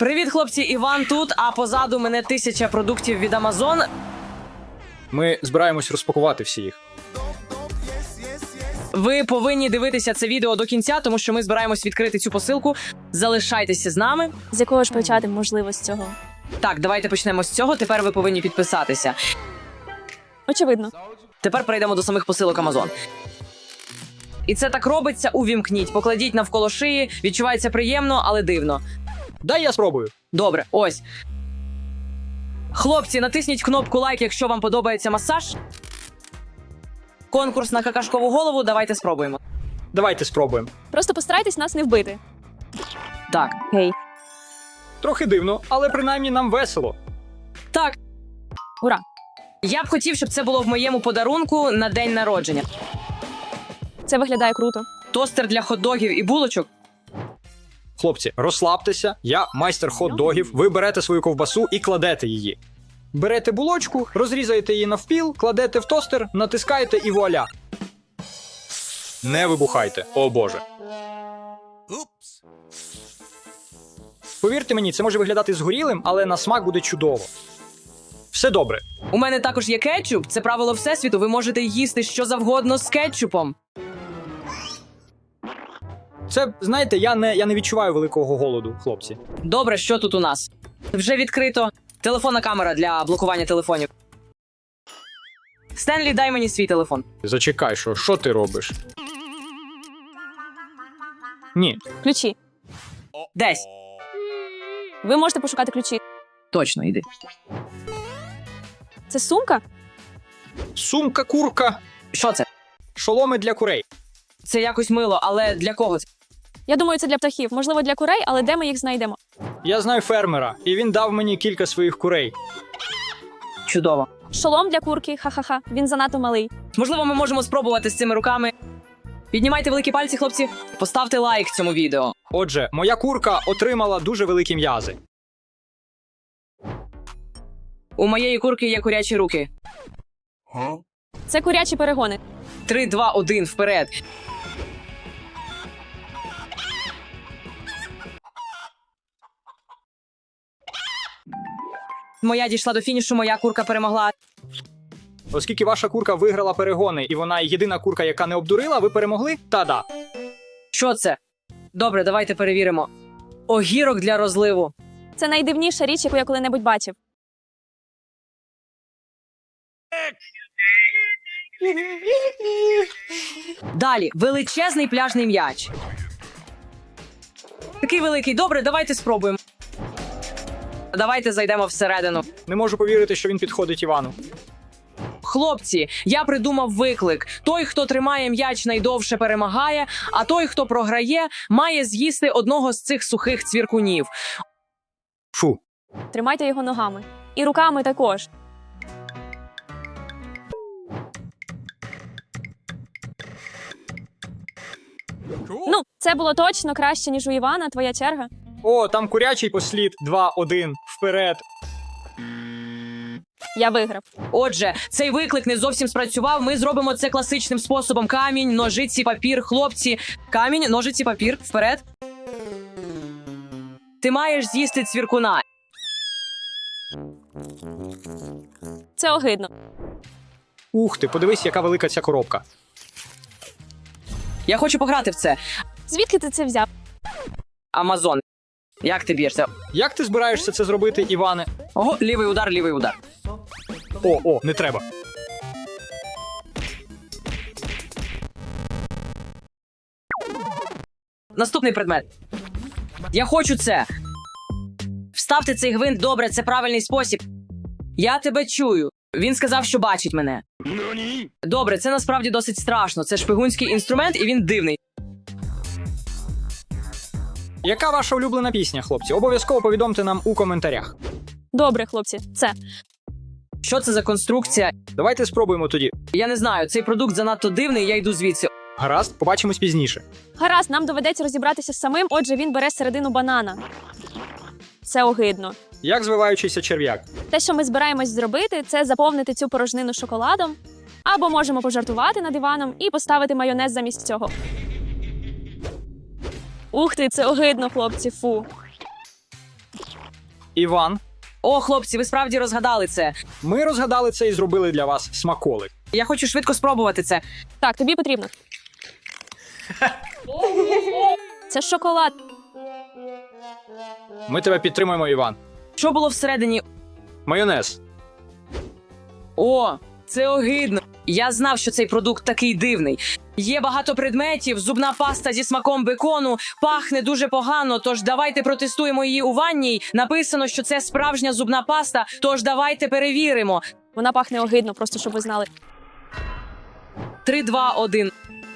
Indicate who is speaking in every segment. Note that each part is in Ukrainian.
Speaker 1: Привіт, хлопці, Іван тут, а позаду мене 1000 продуктів від Amazon.
Speaker 2: Ми збираємось розпакувати всі їх.
Speaker 1: Ви повинні дивитися це відео до кінця, тому що ми збираємось відкрити цю посилку. Залишайтеся з нами.
Speaker 3: З якого ж почати можливо з цього?
Speaker 1: Так, давайте почнемо з цього. Тепер ви повинні підписатися.
Speaker 3: Очевидно.
Speaker 1: Тепер перейдемо до самих посилок Amazon. І це так робиться, увімкніть, покладіть навколо шиї, відчувається приємно, але дивно.
Speaker 2: Дай я спробую.
Speaker 1: Добре, ось. Хлопці, натисніть кнопку лайк, якщо вам подобається масаж. Конкурс на какашкову голову, давайте спробуємо.
Speaker 2: Давайте спробуємо.
Speaker 3: Просто постарайтесь нас не вбити.
Speaker 1: Так.
Speaker 3: Гей.
Speaker 2: Трохи дивно, але принаймні нам весело.
Speaker 1: Так.
Speaker 3: Ура.
Speaker 1: Я б хотів, щоб це було в моєму подарунку на день народження.
Speaker 3: Це виглядає круто.
Speaker 1: Тостер для хот-догів і булочок.
Speaker 2: Хлопці, розслабтеся, я майстер хот-догів, ви берете свою ковбасу і кладете її. Берете булочку, розрізаєте її навпіл, кладете в тостер, натискаєте і вуаля. Не вибухайте, о боже. Повірте мені, це може виглядати згорілим, але на смак буде чудово. Все добре.
Speaker 1: У мене також є кетчуп. Це правило всесвіту. Ви можете їсти що завгодно з кетчупом.
Speaker 2: Це, знаєте, я не відчуваю великого голоду, хлопці.
Speaker 1: Добре, що тут у нас? Вже відкрито. Телефонна камера для блокування телефонів. Стенлі, дай мені свій телефон.
Speaker 2: Зачекай, що ти робиш? Ні.
Speaker 3: Ключі.
Speaker 1: Десь.
Speaker 3: Ви можете пошукати ключі.
Speaker 1: Точно, йди.
Speaker 3: Це сумка?
Speaker 2: Сумка, курка,
Speaker 1: Що це?
Speaker 2: шоломи для курей.
Speaker 1: Це якось мило, але для кого це?
Speaker 3: Я думаю, це для птахів. Можливо, для курей, але де ми їх знайдемо?
Speaker 2: Я знаю фермера, і він дав мені кілька своїх курей.
Speaker 1: Чудово.
Speaker 3: Шолом для курки, ха-ха-ха. Він занадто малий.
Speaker 1: Можливо, ми можемо спробувати з цими руками. Піднімайте великі пальці, хлопці. Поставте лайк цьому відео.
Speaker 2: Отже, моя курка отримала дуже великі м'язи.
Speaker 1: У моєї курки є курячі руки.
Speaker 3: Це курячі перегони.
Speaker 1: 3, 2, 1, вперед. Моя дійшла до фінішу, моя курка перемогла.
Speaker 2: Оскільки ваша курка виграла перегони, і вона єдина курка, яка не обдурила, ви перемогли? Та-да.
Speaker 1: Що це? Добре, давайте перевіримо. Огірок для розливу.
Speaker 3: Це найдивніша річ, яку я коли-небудь бачив.
Speaker 1: Далі, величезний пляжний м'яч. Такий великий. Добре, давайте спробуємо. Давайте зайдемо всередину.
Speaker 2: Не можу повірити, що він підходить Івану.
Speaker 1: Хлопці, я придумав виклик. Той, хто тримає м'яч найдовше, перемагає, а той, хто програє, має з'їсти одного з цих сухих цвіркунів.
Speaker 2: Фу.
Speaker 3: Тримайте його ногами. І руками також. Ну, це було точно краще, ніж у Івана. Твоя черга.
Speaker 2: О, там курячий послід. 2-1. Вперед.
Speaker 3: Я виграв.
Speaker 1: Отже, цей виклик не зовсім спрацював. Ми зробимо це класичним способом. Камінь, ножиці, папір, хлопці. Камінь, ножиці, папір. Вперед. Ти маєш з'їсти цвіркуна.
Speaker 3: Це огидно.
Speaker 2: Ух ти, подивись, яка велика ця коробка.
Speaker 1: Я хочу пограти в це.
Speaker 3: Звідки ти це взяв?
Speaker 1: Амазон. Як ти б'єшся?
Speaker 2: Як ти збираєшся це зробити, Іване?
Speaker 1: Ого, лівий удар, лівий удар.
Speaker 2: О, не треба.
Speaker 1: Наступний предмет. Я хочу це. Вставте цей гвинт, добре, це правильний спосіб. Я тебе чую. Він сказав, що бачить мене. Добре, це насправді досить страшно. Це шпигунський інструмент, і він дивний.
Speaker 2: Яка ваша улюблена пісня, хлопці? Обов'язково повідомте нам у коментарях.
Speaker 3: Добре, хлопці, це.
Speaker 1: Що це за конструкція?
Speaker 2: Давайте спробуємо тоді.
Speaker 1: Я не знаю, цей продукт занадто дивний, я йду звідси.
Speaker 2: Гаразд, побачимось пізніше.
Speaker 3: Гаразд, нам доведеться розібратися з самим, отже, він бере середину банана. Це огидно.
Speaker 2: Як звиваючийся черв'як.
Speaker 3: Те, що ми збираємось зробити, це заповнити цю порожнину шоколадом, або можемо пожартувати над Іваном і поставити майонез замість цього. Ух ти, це огидно, хлопці, фу.
Speaker 2: Іван,
Speaker 1: О, хлопці, ви справді розгадали це.
Speaker 2: ми розгадали це і зробили для вас смаколик.
Speaker 1: Я хочу швидко спробувати це.
Speaker 3: Так, тобі потрібно. Це шоколад.
Speaker 2: Ми тебе підтримуємо, Іван.
Speaker 1: Що було всередині?
Speaker 2: Майонез.
Speaker 1: О, це огидно. Я знав, що цей продукт такий дивний. Є багато предметів, зубна паста зі смаком бекону, пахне дуже погано, тож давайте протестуємо її у ванній. Написано, що це справжня зубна паста, тож давайте перевіримо.
Speaker 3: Вона пахне огидно, просто щоб ви знали.
Speaker 1: 3, 2, 1.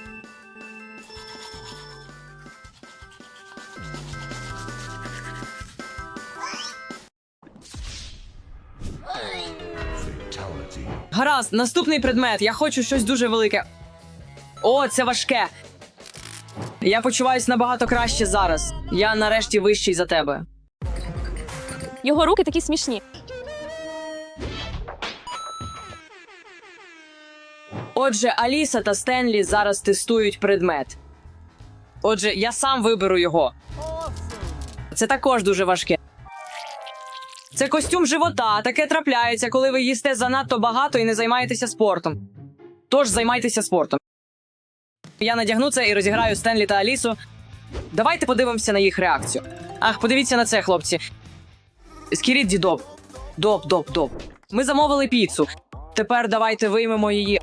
Speaker 1: Гаразд, наступний предмет. Я хочу щось дуже велике. О, це важке. Я почуваюсь набагато краще зараз. Я нарешті вищий за тебе.
Speaker 3: Його руки такі смішні.
Speaker 1: Отже, Аліса та Стенлі зараз тестують предмет. Отже, я сам виберу його. Це також дуже важке. Це костюм живота. Таке трапляється, коли ви їсте занадто багато і не займаєтеся спортом. Тож займайтеся спортом. Я надягну це і розіграю Стенлі та Алісу. Давайте подивимося на їх реакцію. Ах, подивіться на це, хлопці. Скірідді доп. Доп. Ми замовили піцу. Тепер давайте виймемо її.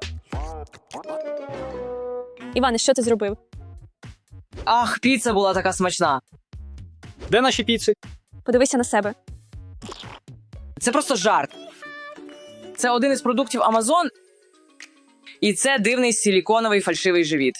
Speaker 3: Іване, що ти зробив?
Speaker 1: Ах, піца була така смачна.
Speaker 2: Де наші піци?
Speaker 3: Подивися на себе.
Speaker 1: Це просто жарт. Це один із продуктів Amazon. І це дивний силіконовий фальшивий живіт.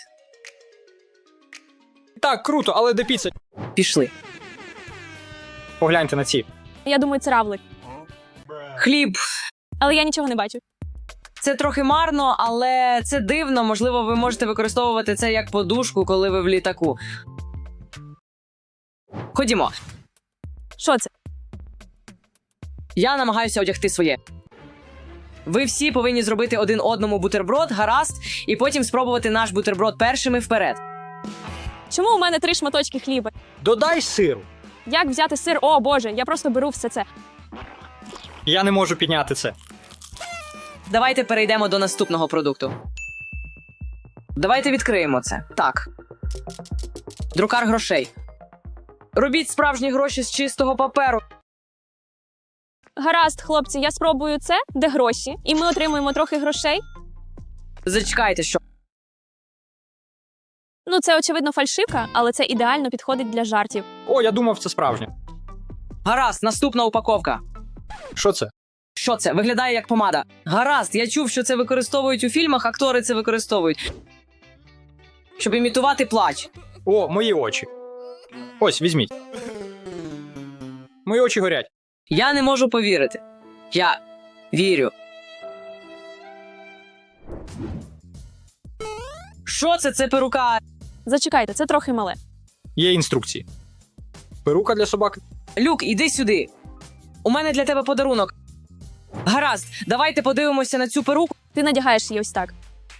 Speaker 2: Так, круто, але де піца?
Speaker 1: Пішли.
Speaker 2: Погляньте на ці.
Speaker 3: Я думаю, це равлик.
Speaker 1: Хліб.
Speaker 3: Але я нічого не бачу.
Speaker 1: Це трохи марно, але це дивно. Можливо, ви можете використовувати це як подушку, коли ви в літаку. Ходімо.
Speaker 3: Що це?
Speaker 1: Я намагаюся одягти своє. Ви всі повинні зробити один одному бутерброд, гаразд, і потім спробувати наш бутерброд першими вперед.
Speaker 3: Чому у мене 3 шматочки хліба?
Speaker 2: Додай сиру.
Speaker 3: Як взяти сир? О, Боже, я просто беру все це.
Speaker 2: Я не можу підняти це.
Speaker 1: Давайте перейдемо до наступного продукту. Давайте відкриємо це. Так. Друкар грошей. Робіть справжні гроші з чистого паперу.
Speaker 3: Гаразд, хлопці, я спробую це, де гроші, і ми отримуємо трохи грошей.
Speaker 1: Зачекайте, що.
Speaker 3: Ну, це, очевидно, фальшивка, але це ідеально підходить для жартів.
Speaker 2: О, я думав, це справжнє.
Speaker 1: Гаразд, наступна упаковка.
Speaker 2: Що це?
Speaker 1: Що це? Виглядає як помада. Гаразд, я чув, що це використовують у фільмах, актори це використовують. Щоб імітувати плач.
Speaker 2: О, мої очі. Ось, візьміть. Мої очі горять.
Speaker 1: Я не можу повірити. Я вірю. Що це? Це перука.
Speaker 3: Зачекайте, це трохи мале.
Speaker 2: Є інструкції. Перука для собаки.
Speaker 1: Люк, іди сюди. У мене для тебе подарунок. Гаразд, давайте подивимося на цю перуку.
Speaker 3: Ти надягаєш її ось так.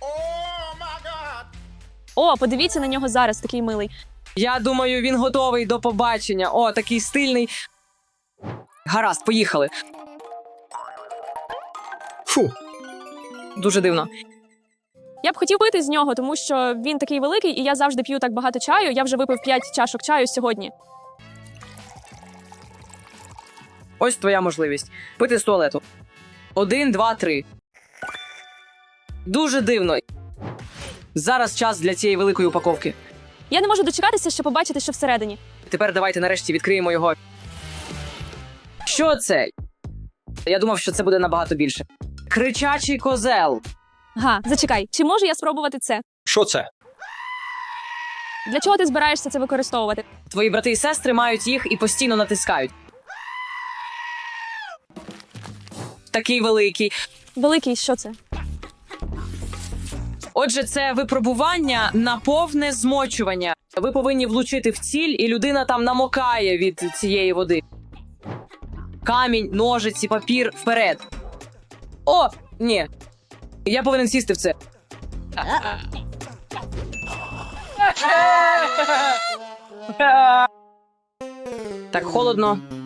Speaker 3: О, подивіться на нього зараз, такий милий.
Speaker 1: Я думаю, він готовий до побачення. О, такий стильний. Гаразд, поїхали.
Speaker 2: Фу.
Speaker 1: Дуже дивно.
Speaker 3: Я б хотів пити з нього, тому що він такий великий, і я завжди п'ю так багато чаю. Я вже випив 5 чашок чаю сьогодні.
Speaker 1: Ось твоя можливість. Пити з туалету. 1, 2, 3. Дуже дивно. Зараз час для цієї великої упаковки.
Speaker 3: Я не можу дочекатися, щоб побачити, що всередині.
Speaker 1: Тепер давайте нарешті відкриємо його. Що це? Я думав, що це буде набагато більше. Кричачий козел.
Speaker 3: Га, зачекай, чи можу я спробувати це?
Speaker 2: Що це?
Speaker 3: Для чого ти збираєшся це використовувати?
Speaker 1: Твої брати і сестри мають їх і постійно натискають. Такий великий.
Speaker 3: Великий, що це?
Speaker 1: Отже, це випробування на повне змочування. Ви повинні влучити в ціль, і людина там намокає від цієї води. Камінь, ножиці, папір, вперед. О, ні. Я повинен сісти в це. Так холодно.